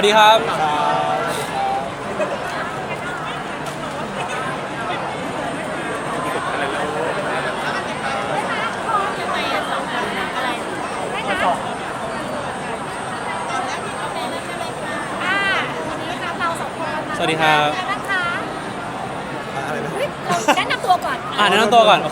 ดีครับสวัสดีครับแนะนำตัวก่อนแนะนำตัวก่อนโอเค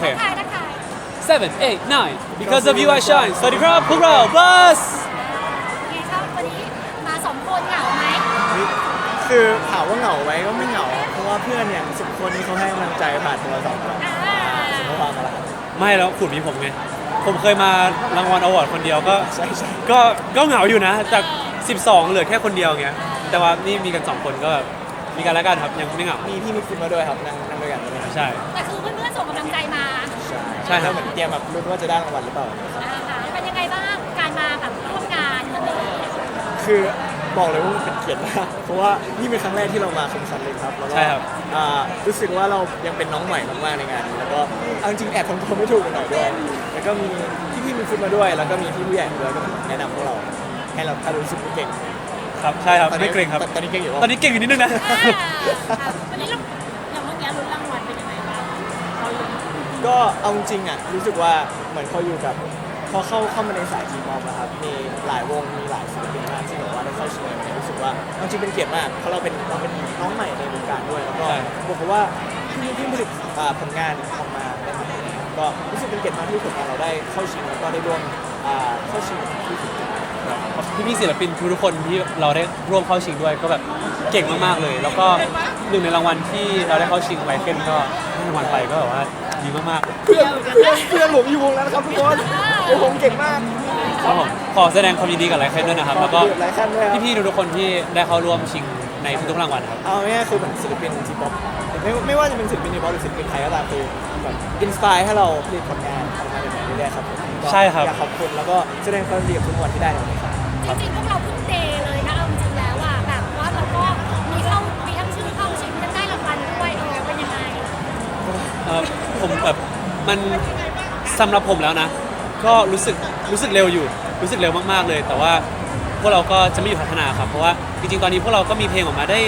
7 8 9 because of you I shine สวัสดีครับพวกเรา Buzz ไงครับวันนี้มา2 คนเหงาไหมคือถามว่าเหงาไหมก็ไม่เหงาเพราะว่าเพื่อนอย่าง10 คนนี้เขาให้กำลังใจผ่านโทรศัพท์เราส่งข้อความมาแล้วครับไม่แล้วขุดมีผมไงผมเคยมารางวัลอวอร์ดคนเดียวก็ใช่ก็เหงาอยู่นะจาก12เหลือแค่คนเดียวเงี้ยแต่ว่านี่มีกัน2คนก็แบบมีกันแล้วกันครับยังไม่เหงามีพี่มิกซ์มาด้วยครับนั่งด้วยกันใช่ไหมครับใช่แต่คือเพื่อนๆส่งกำลังใจมาใช่ครับเหมือนเตรียมแบบรู้นว่าจะได้รางวัลหรือเปล่าเป็นยังไงบ้างการมาแบบร่วมงานวันนี้คือบอกเลยว่ามันเป็นเกียรติมากเพราะว่านี่เป็นครั้งแรกที่เรามาคมสันเลยครับแล้วก็รู้สึกว่าเรายังเป็นน้องใหม่มากๆในงานนี้แล้วก็เอาจริงแอบทำตัวไม่ถูกกันหน่อยด้วยแล้วก็มีพี่มิกซ์มาด้วยแล้วก็มีพี่ผู้ใหญ่ด้วยก็แนะนำพวกเราให้เรารู้สึกเก่งครับใช่ครับไม่เกรงครับตอนนี้เก่งอยู่ตอนนี้เก่งอยู่นิดนึงนะวันนี้เราอย่างเมื่อกี้ลุ้นรางวัลเป็นยังไงบ้างก็เอาจริงอ่ะรู้สึกว่าเหมือนเขาอยู่กับพอเข้ามาในสายทีป๊อปนะครับมีหลายวงมีหลายศิลปินมากที่แบบว่าได้เข้าชิงเนี่ยรู้สึกว่าจริงเป็นเกียรติมากเพราะเราเป็นน้องใหม่ในวงการด้วยแล้วก็บอกว่าที่ผลิตผลงานออกมาได้มาก็รู้สึกเป็นเกียรติมากที่ผลงานเราได้เข้าชิงแล้วก็ได้ร่วมเข้าชิงที่สุดพี่ศิลปินทุกคนที่เราได้ร่วมเข้าชิงด้วยก็แบบเก่งมากๆเลยแล้วก็หนึ่งในรางวัลที่เราได้เข้าชิงไวเคิลก็ได้รางวัลไปก็แบบว่าดีมากๆเพื่อนผมอยู่วงแล้วนะครับทุกคนผมเก่งมากครับผมขอแสดงความยินดีกับไลเคิลด้วยนะครับแล้วก็พี่ๆทุกคนที่ได้เข้าร่วมชิงในทุกๆรางวัลครับเอาง่ายๆคือเหมือนศิลปินทีป๊อปไม่ว่าจะเป็นศิลปินทีป๊อปหรือศิลปินไทยก็ตามคือแบบอินสปายให้เราผลิตผลงานออกมาแบบนี้ได้ครับใช่ครับอยากขอบคุณแล้วก็แสดงความยินดีกับทุกรางวัลที่ได้ในวันนี้ครับจริงๆพวกเราเพิ่งเดย์เลยนะเอาจริงแล้วอ่ะแบบว่าเราก็มีทั้งชื่อเข้าชิงทั้งได้รางวัลด้วยเป็นยังไงผมแบบมันสำหรับผมแล้วนะก็รู้สึกเร็วอยู่รู้สึกเร็วมากๆเลยแต่ว่าพวกเราก็จะไม่หยุดพัฒนาครับเพราะว่าจริงๆตอนนี้พวกเราก็มีเพลงออกมาได้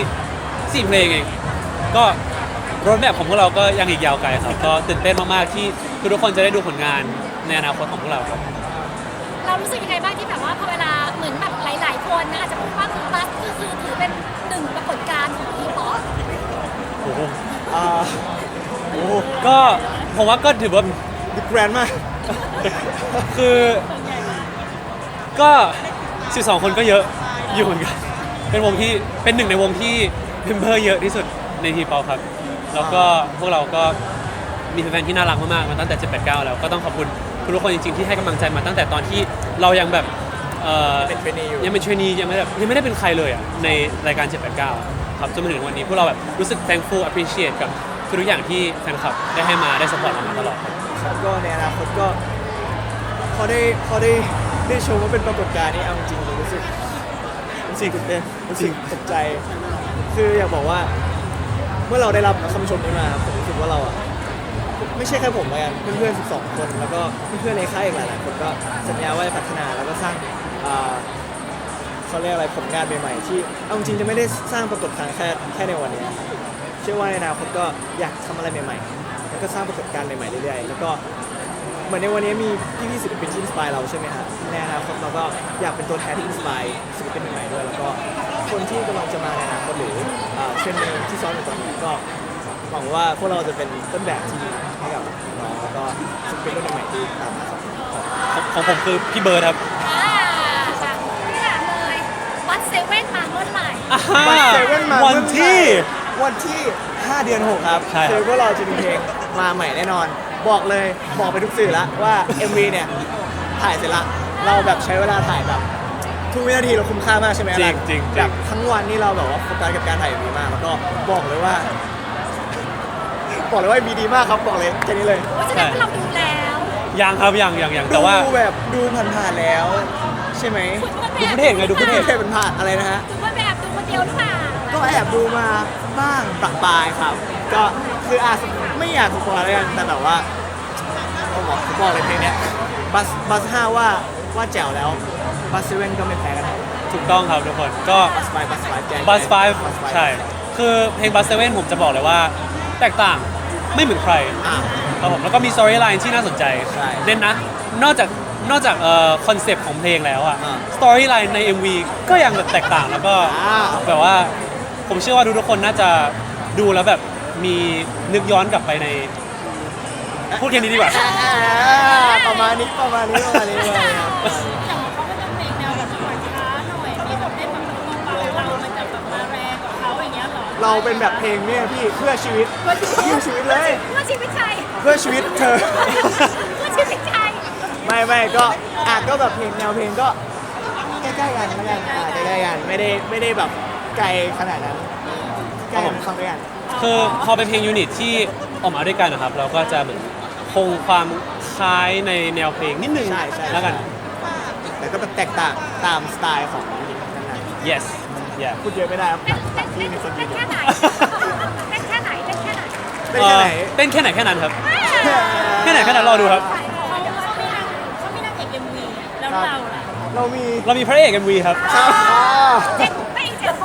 4 เพลงเองก็รถแบบของพวกเราก็ยังอีกยาวไกลครับก็ตื่นเต้นมากๆที่ทุกคนจะได้ดูผลงานในอนาคตของพวกเราครับเรารู้สึกยังไงบ้างที่แบบว่าพอเวลาเหมือนแบบหลายๆคนนะอาจจะพูดว่าคือบัสคือถือเป็น1 ปรากฏการณ์ของทีป๊อปโอ้โหก็ผมว่าก็ถือว่าบิ๊กแบรนด์มากคือก็12 คนก็เยอะอยู่เหมือนกันเป็นวงที่เป็นหนึ่งในวงที่เมมเบอร์เยอะที่สุดในทีป๊อปครับแล้วก็พวกเราก็มีแฟนๆที่น่ารักมากๆมาตั้งแต่789แล้วก็ต้องขอบคุณทุกคนจริงๆที่ให้กำลังใจมาตั้งแต่ตอนที่เรายังแบบยังเป็นเทรนนียังไม่ได้เป็นใครเลยอ่ะในรายการ789ครับจนมาถึงวันนี้พวกเราแบบรู้สึก thankful appreciate กับทุกอย่างที่แฟนคลับได้ให้มาได้ support เรามาตลอดครับก็ในอนาคตก็พอได้ชมว่าเป็นปรากฏการณ์นี้เอาจริงรู้สึกตื่นเต้นรู้สึกตกใจคืออยากบอกว่าเมื่อเราได้รับคำชมนี้มาผมรู้สึกว่าเราอ่ะไม่ใช่แค่ผมเลยเพื่อนๆ12 คนแล้วก็เพื่อนๆในค่ายอีกหลายๆคนก็สัญญาว่าจะพัฒนาแล้วก็สร้างเขาเรียกอะไรผลงานใหม่ๆที่เอาจริงจะไม่ได้สร้างปรากฏการณ์แค่ในวันนี้เชื่อว่าในอนาคตก็อยากทำอะไรใหม่ๆแล้วก็สร้างปรากฏการณ์ใหม่ๆเรื่อยๆแล้วก็เหมือนในวันนี้มีพี่ๆศิลปินที่อินสปายเราใช่ไหมฮะในอนาคตเราก็อยากเป็นตัวแทนที่อินสปายศิลปินใหม่ๆด้วยแล้วก็คนที่กำลังจะมาในอนาคตหรือเทรนด์ที่ซ้อมอยู่ตอนนี้ก็หวังว่าพวกเราจะเป็นต้นแบบที่ดีให้กับน้องแล้วก็ศิลปินรุ่นใหม่ที่ตามมาครับของผมคือพี่เบิร์ดครับไม่ถามเลยบัสเซเว่นมาเมื่อไหร่บัสเซเว่นมาวันที่5 เดือน 6ครับคือพวกเราจะมีเพลงมาใหม่แน่นอนบอกไปทุกสื่อแล้วว่า MV เนี่ยถ่ายเสร็จละเราแบบใช้เวลาถ่ายแบบทุกวินาทีเราคุ้มค่ามากใช่ไหมจริงแบบทั้งวันนี่เราแบบว่าโฟกัสกับการถ่าย MV มากแล้วก็บอกเลยว่าMV ดีมากครับบอกเลยแค่นี้เลยแสดงว่าเราดูแล้วยังครับยังแต่ว่าดูผ่านๆแล้วใช่ไหมดูประเทศไงดูประเทศมันผ่านอะไรนะฮะดูว่าแบบดูคนเดียวหรือเปล่าก็แอบดูมาบ้างประปรายครับก็คือไม่อยากสปอยแล้วกันแต่แบบว่าบอกเลยเพลงเนี้ยบัส5ว่าแจ๋วแล้วบัสเซเว่นก็ไม่แพ้กันถูกต้องครับทุกคนก็บัสไฟแกง Bus 5 ใช่ คือเพลง Bus 7 ผมจะบอกเลยว่าแตกต่างไม่เหมือนใครอ่าครับผมแล้วก็มี storyline ที่น่าสนใจใช่เน้นนะ นอกจากคอนเซปต์ของเพลงแล้วอะอ่า storyline ใน MV ก็ยังแบบแตกต่างแล้วก็อ่าแบบว่าผมเชื่อว่าทุกคนน่าจะดูแล้วแบบมีนึกย้อนกลับไปในพูดแค่นี้ดีกว่าประมาณนี้เลยครับอย่างเขาก็จะเพลงแนวแบบช้าหน่อยมีแบบเล่นแบบเบาๆเรามันจะแบบมาแรงกว่าเขาอย่างเงี้ยหรอเราเป็นแบบเพลงเนี่ยพี่เพื่อชีวิตเลยเพื่อชีวิตใครเพื่อชีวิตเธอเพื่อชีวิตใครไม่ก็ก็แบบเพลงแนวเพลงก็ใกล้ๆกันแล้วกันใกล้ๆกันไม่ได้แบบไกลขนาดนั้นใกล้กันฟังด้วยกันคือพอเป็นเพลงยูนิตที่ออกมาด้วยกันนะครับ เราก็จะเหมือนคงความคล้ายในแนวเพลงนิดนึงใช่แล้วกันแต่ก็แบบแตกต่างตามสไตล์ของยูนิตนั้น yes yeah พูดเยอะไม่ได้ครับเต้นต่างที่มีคนแค่ไหนเต้นแค่ไหนเต้นแค่ไหนเต้นแค่ไหนแค่นั้นครับ แค่ไหนแค่นั้นรอดูครับเขาไม่นั่งเอกเอ็มวีแล้วเราล่ะเรามีเรามีพระเอก MV ครับครับไม่เจ็ดคน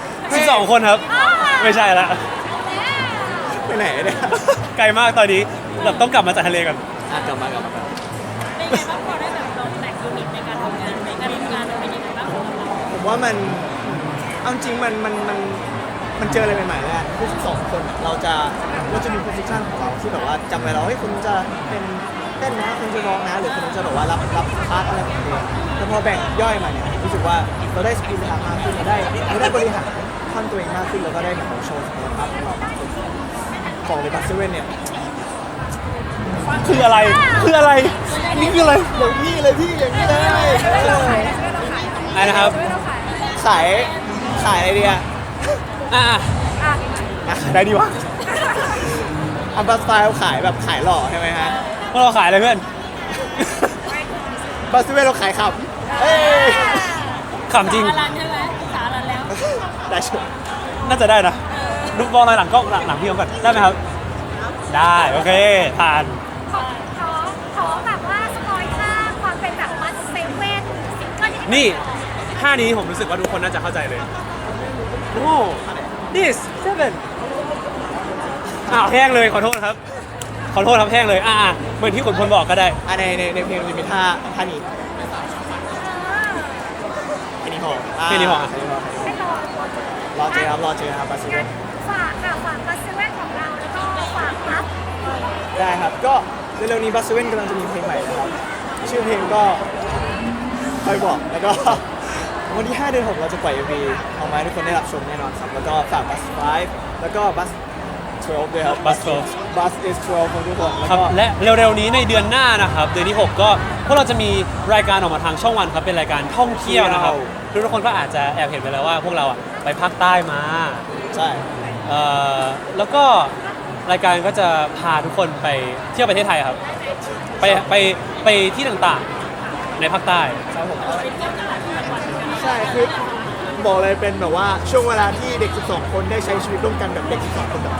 12 คนครับ ไม่ใช่ละไปไหนเนี่ยไกลมากตอนนี้แบบต้องกลับมาจากทะเลก่อนกลับมาเป็นไงบ้างพอได้แบบลองแตกยูนิตในการทำงานในการทำงานมันเป็นยังไงบ้างของเราผมว่ามันเอาจริงมันเจออะไรใหม่ๆแล้วคือ12 คนเราจะมีโพสิชันของเราที่แบบว่าจำไว้เราให้ยคุณจะเป็นเต้นนะคุณจะร้องนะหรือคุณจะแบบว่ารับพาร์ทอะไรของตัวเองแต่พอแบ่งย่อยมาเนี่ยรู้สึกว่าเราได้สกิลทางมากขึ้นเราได้บริหารท่อนตัวเองมากขึ้นแล้วก็ได้แบบโชว์ศักยภาพของเรามากขึ้นของในบัสเซเว่นเนี่ยคืออะไร คืออะไรนี่คืออะไรอย่างนี้เลยพี่อย่างนี้เลยอะไรนะครับขายอะไรดีอะอ่ะได้ดีวะอัมบัสไตล์ขายแบบขายหล่อใช่ไหมฮะพวกเราขายอะไรเพื่อนบัสเซเว่นเราขายขับเอ้ยขำจริงสารันใช่ไหมสารันแล้วได้ชมน่าจะได้นะดูบอลอะไรหลังกล้องหลังพี่เขาก่อนได้ไหมครับ ได้โอเคผ่านขอแบบว่าสปอยค่าความเป็นแบบมัสเซเว่นซิงเกิลที่นี่ท่านี้ผมรู้สึกว่าทุกคนน่าจะเข้าใจเลย no this seven อ้าวแห้งเลยขอโทษครับ ขอโทษครับแห้งเลยเหมือนที่ขุนพลบอกก็ได้ในเพลงมันจะมีท่านี้แค่นี้พอแค่นี้พอให้รอรอเจอครับบัสเซเว่นฝากค่ะฝากมัสเซเว่นของเราแล้วก็ฝากมัสได้ครับก็เร็วๆนี้บัสเซเว่นกำลังจะมีเพลงใหม่นะครับชื่อเพลงก็คอยบอกแล้วก็ วันที่ 5 เดือน 6 เราจะปล่อย MV ออกมาให้ทุกคนได้รับชมแน่นอนครับ แล้วก็ฝาก Bus 5 แล้วก็ Bus 12 ด้วยครับ Bus 12 Bus is 12ของทุกคนแล้วครับก็และเร็วๆนี้ในเดือนหน้านะครับ เดือนที่ 6 ก็พวกเราจะมีรายการออกมาทางช่องวันครับเป็นรายการท่องเที่ยวนะครับทุกคนก็อาจจะแอบเห็นไปแล้วว่าพวกเราไปภาคใต้มาใช่แล้วก็รายการก็จะพาทุกคนไปเที่ยวประเทศไทยครับ ไปที่ต่างๆในภาคใต้ครับผมใช่คือบอกเลยเป็นแบบว่าช่วงเวลาที่เด็ก 12 คนได้ใช้ชีวิตร่วมกันแบบเด็ก 12 คนแบบ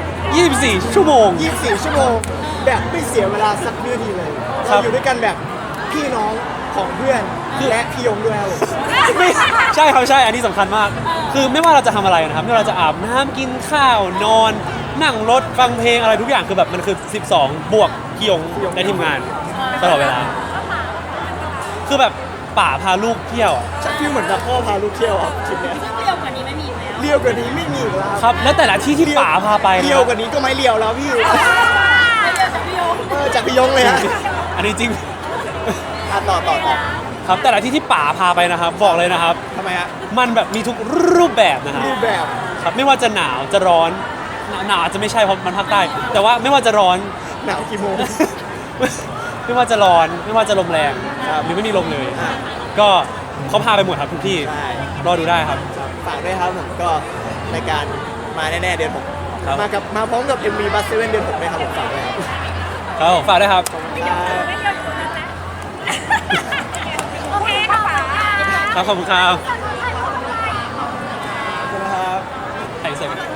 24 ชั่วโมง 24 ชั่วโมงแบบไม่เสียเวลาสักวินาทีเลยครัเราบอยู่ด้วยกันแบบพี่น้องของเพื่อนและพี่ยงด้วยครับผมไม่ใช่ครับใช่ อันนี้สำคัญมาก คือไม่ว่าเราจะทำอะไรนะครับไม่ว่าเราจะอาบน้ำกินข้าวนอน นั่งรถฟังเพลงอะไรทุกอย่างคือแบบมันคือ 12 บวกพี่ยงและทีมงานตลอดเวลา คือแบบป่าพาลูกเที่ยวอะชักฟีลเหมือนกับพ่อพาลูกเที่ยวครับคลิปเนี้ยซึ่งเร็วกว่านี้ไม่มีอีกแล้วเลี้ยวกว่านี้ไม่มีอีกแล้วครับ และแต่ละที่ที่ป่าพาไปนะเลี้ยวกว่านี้ก็ไม่เลี้ยวแล้วพี่ไม่เร็วจากพี่โยมจากพี่ยงเลยฮะอันนี้จริงต่อครับแต่ละที่ที่ป่าพาไปนะครับ บอกเลยนะครับทำไมฮะมันแบบมีทุกรูปแบบนะครับรูปแบบครับไม่ว่าจะหนาวจะร้อนหนาวอาจจะไม่ใช่เพราะมันภาคใต้ แต่ว่าไม่ว่าจะร้อนหนาวกี่โมงไม่ว่าจะร้อนไม่ว่าจะลมแรงครับหรือไม่มีลมเลยอ่ะก็เขาพาไปหมดครับทุกที่ใช่รอดูได้ครับฝากด้วยครับผมก็รายการมาแน่ๆเดือน6 ครับมาพร้อมกับ MV Bus 7เดือน6ด้วยครับผมฝากด้วยครับครับผมฝากด้วยครับไม่เร็วไม่เร็วอยู่ตรงนั้นนะโอเคขอบคุณค่ะครับขอบคุณครับขอบคุณนะครับไทยเสร็จ